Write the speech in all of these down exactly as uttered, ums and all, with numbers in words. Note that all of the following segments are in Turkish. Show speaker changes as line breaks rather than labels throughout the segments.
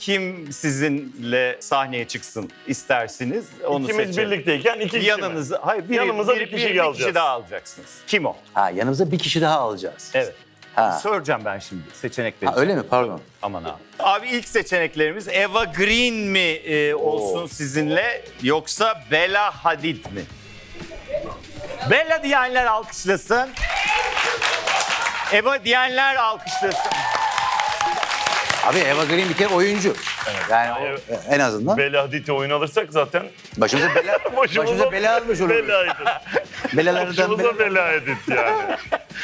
kim sizinle sahneye çıksın istersiniz? Onu
İkimiz
seçelim.
birlikteyken iki kişi
Yanınıza, hayır, biri,
Yanımıza
bir,
bir kişi
bir, bir
alacağız.
kişi daha alacaksınız. Kim o?
Ha, yanımıza bir kişi daha alacağız.
Evet.
Ha.
Soracağım ben şimdi seçenekleri.
Ha, öyle mi? Pardon.
Aman abi. Abi ilk seçeneklerimiz Eva Green mi e, olsun sizinle yoksa Bella Hadid mi? Bella diyenler alkışlasın. Eva diyenler alkışlasın.
Abi Eva Green bir kere oyuncu. Yani o-
Evet.
en azından
Bella Hadid'i oyun alırsak zaten
başımıza bela, başımıza bela almış olur.
Bella Hadid.
Belalardan
Başımıza
bela.
Bella Hadid yani.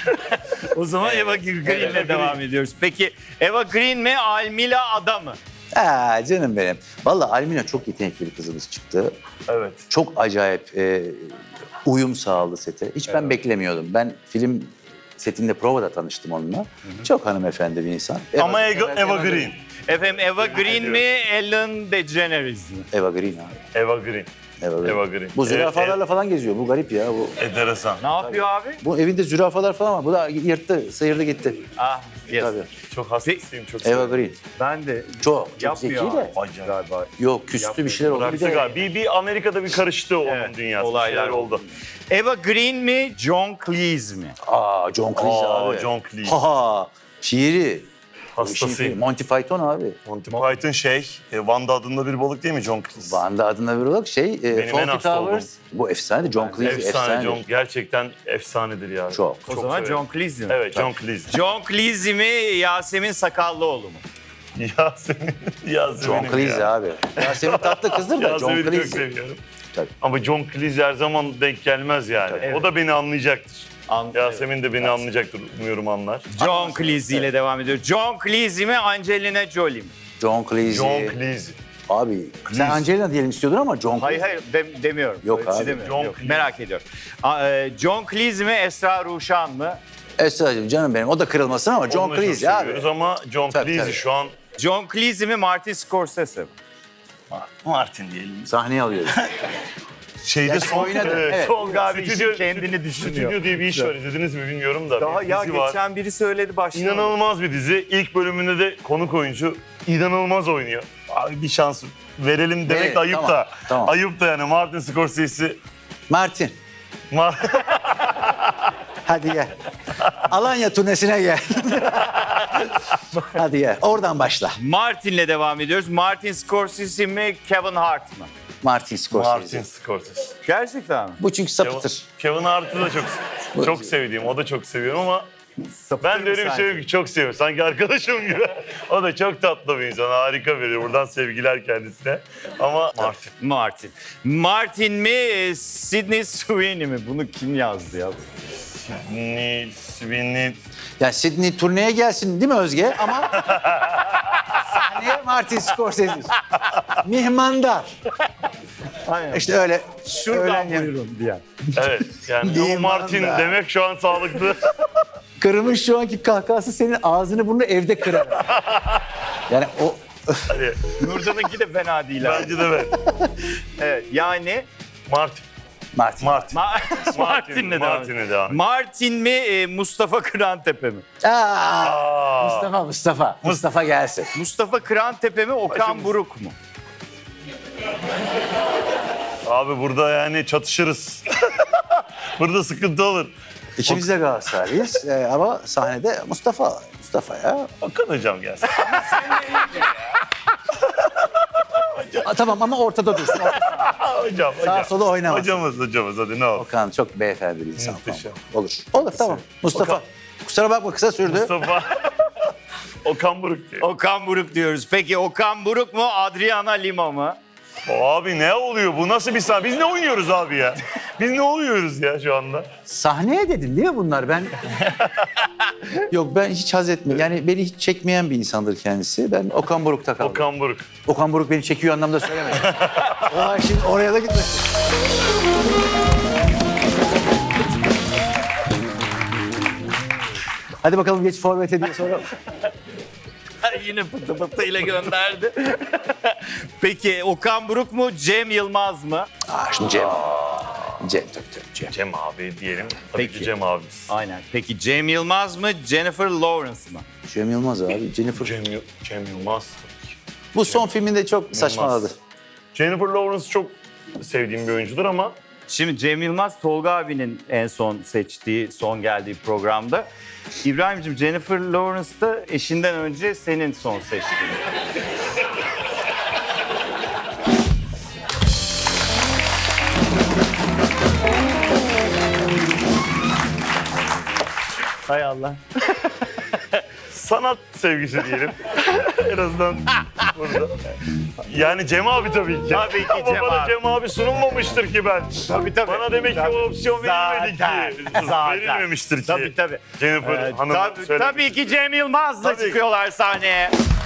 O zaman Eva Green'le
Eva
devam
Green.
ediyoruz. Peki Eva Green mi Almila Ada mı?
Ha, canım benim. Vallahi Almina çok yetenekli bir kızımız çıktı.
Evet.
Çok acayip e, uyum sağladı sete. Hiç ben beklemiyordum. Ben film setinde provada tanıştım onunla. Çok hanımefendi bir insan.
Ama Eva, Eva Green.
Efendim Eva Green mi Ellen DeGeneres mi?
Eva Green abi.
Eva Green.
Eva Green.
Eva Green.
Bu
Evet,
zürafalarla falan geziyor. Bu garip ya. Bu
Enteresan.
Ne yapıyor abi?
bu evinde zürafalar falan var. Bu da yırttı, sıyırdı gitti.
Ah, yes.
Tabii.
Çok hastasıyım, çok
Eva
seviyorum.
Green.
Ben de
Çok, çok zeki
yapmıyor
de.
abi. Galiba.
Yok, küstü bir şeyler oldu. Bir
Bıraktı
de
galiba. Bir, bir Amerika'da bir karıştı onun
Evet,
dünyası. Bir
olaylar
şeyler oldu.
Eva Green mi John Cleese mi?
Aa, John Cleese
Aa,
abi.
John Cleese.
Ha, şiiri.
Hastasıyım.
Monty Python abi.
Monty Python şey, e, Wanda adında bir balık değil mi John Cleese?
Van'da adına bir olarak şey, e,
Benim en
Fawlty
hasta
Towers. Bu efsane. John Cleese
Efsane
efsane.
John, gerçekten efsanedir ya.
Çok.
O
Çok
zaman
severim.
John Cleese mi?
Evet, John Cleese.
John Cleese mi Yasemin Sakallıoğlu mu?
Yasemin, Yasemin'im
John Cleese
ya.
abi. Yasemin tatlı kızdır da John
Yasemin'i çok
Cleese.
seviyorum.
Tabii.
Ama John Cleese her zaman denk gelmez yani.
Evet.
O da beni anlayacaktır.
An-
Yasemin de beni anlayacaktır, umuyorum anlar.
John Cleese ile devam ediyor. John Cleese mi Angelina Jolie mi?
John Cleese.
John Cleese.
Abi sen Angelina diyelim istiyordun ama John
Hayır
Cleese.
hayır dem- demiyorum.
Yok
Öyle bir şey
abi.
demiyorum.
John
Yok,
Cleese.
merak ediyorum. A- e, John Cleese mi Esra Ruşan mı?
Esra'cığım canım benim. O da kırılmasın ama John
Onu da çok
Cleese abi.
seviyoruz ama John
Tabii,
Cleese
tabii.
şu an
John Cleese mi Martin Scorsese mi?
Martin diyelim.
Sahneye alıyoruz.
Şeyde
Ya,
son,
oynadı,
evet.
evet.
Tolga abi işin
Stüdyo-
kendini düşünüyor.
Stüdyo diye bir iş var, izlediniz mi bilmiyorum da.
Daha
bir
ya
dizi var.
geçen biri söyledi başlamadı.
İnanılmaz bir dizi. İlk bölümünde de konuk oyuncu inanılmaz oynuyor. Abi bir şans verelim demek
Verelim,
de ayıp
tamam,
da.
tamam.
Ayıp da yani Martin Scorsese.
Martin.
Mar
Hadi gel. Alanya turnesine gel. Hadi gel. Oradan başla.
Martin'le devam ediyoruz. Martin Scorsese mi Kevin Hart mı?
Martin Scorsese.
Martin Scorsese.
Gerçekten mi?
Bu çünkü
Kevin,
sapıtır.
Kevin Hart'ı da çok çok sevdiğim, o da çok seviyorum ama
Sapıtır
ben de
mı
öyle bir
sence?
şey yok ki çok seviyorum. Sanki arkadaşım gibi. O da çok tatlı bir insan, harika biri. Buradan sevgiler kendisine. Ama Martin.
Martin. Martin mi e, Sydney Sweeney mi? Bunu kim yazdı ya?
Ni, Sweeney.
Ya Sydney turneye gelsin değil mi Özge? Ama sahneye Martin Scorsese. Mihmandar.
Aynen.
İşte öyle.
Şuradan
öğlen yemeği.
buyurun diyen.
Evet yani
Diyeyim
ama Martin
ben de.
demek şu an sağlıklı.
Kırmış şu anki kahkahası senin ağzını burnunu evde kırar. Yani o
Hadi,
Nurdan'ınki de fena değil abi.
bence de ben.
Evet yani
Martin.
Martin.
Martin.
Ma- Martin'le devam
Martin'le
ediyoruz.
devam.
Martin mi e, Mustafa Kırantepe mi?
Aa,
Aa,
Mustafa, Mustafa. Mustafa gelsin.
Mustafa Kırantepe mi Okan
Başımız.
Buruk mu?
abi burada yani çatışırız. Burada sıkıntı olur.
İkimiz de Galatasaraylıyız ee, ama sahnede Mustafa. Mustafa ya.
Okan hocam gelsin.
Aa, tamam ama ortada dursun.
hocam,
Sağa
hocam.
sola oynamaz.
Hocamız, hocamız hadi ne olur.
Okan çok beyefendi bir insan.
Muhteşem.
Falan. Olur. Olur tamam. Mustafa.
Okan.
Kusura bakma kısa sürdü.
Mustafa. Okan Buruk diye.
Okan Buruk diyoruz. Peki Okan Buruk mu Adriana Lima mı?
Abi ne oluyor? Bu nasıl bir sahne? Biz ne oynuyoruz abi ya? Biz ne oluyoruz ya şu anda?
Sahneye dedin değil mi bunlar? Ben Yok ben hiç haz etmiyorum. Yani beni hiç çekmeyen bir insandır kendisi. Ben Okan Buruk'ta kaldım. Okan,
Okan Buruk.
Okan Buruk beni çekiyor anlamda söylemedim. Olay şimdi oraya da gitmesin. Hadi bakalım geç forvete diye soralım.
Yine pıtı pıtı ile gönderdi. Peki Okan Buruk mu Cem Yılmaz mı?
Aa şimdi Cem. Cem tabii tabii Cem.
Cem abi diyelim. Tabii
Peki.
ki Cem abimiz.
Aynen. Peki Cem Yılmaz mı Jennifer Lawrence mı?
Cem Yılmaz abi. Jennifer.
Cem, Yıl- Cem Yılmaz tabii ki.
Bu son filminde çok saçmaladı.
Jennifer Lawrence çok sevdiğim bir oyuncudur ama
Şimdi Cem Yılmaz, Tolga abinin en son seçtiği, son geldiği programda. İbrahim'cim Jennifer Lawrence da eşinden önce senin son seçtiğin. Hay Allah.
sanat sevgisi diyelim. En azından burada. Yani Cem abi tabii ki.
Tabii ki
Ama
Cem
bana
abi.
Cem abi sunulmamıştır ki ben.
Tabii tabii.
Bana demek ki o opsiyon verilmedi
Zaten,
ki.
zaten.
Verilmemiştir ki.
Tabii tabii.
Jennifer
Ee,
Hanım
tabii,
söylemiş.
tabii ki Cem Yılmaz'la
Tabii.
çıkıyorlar sahneye.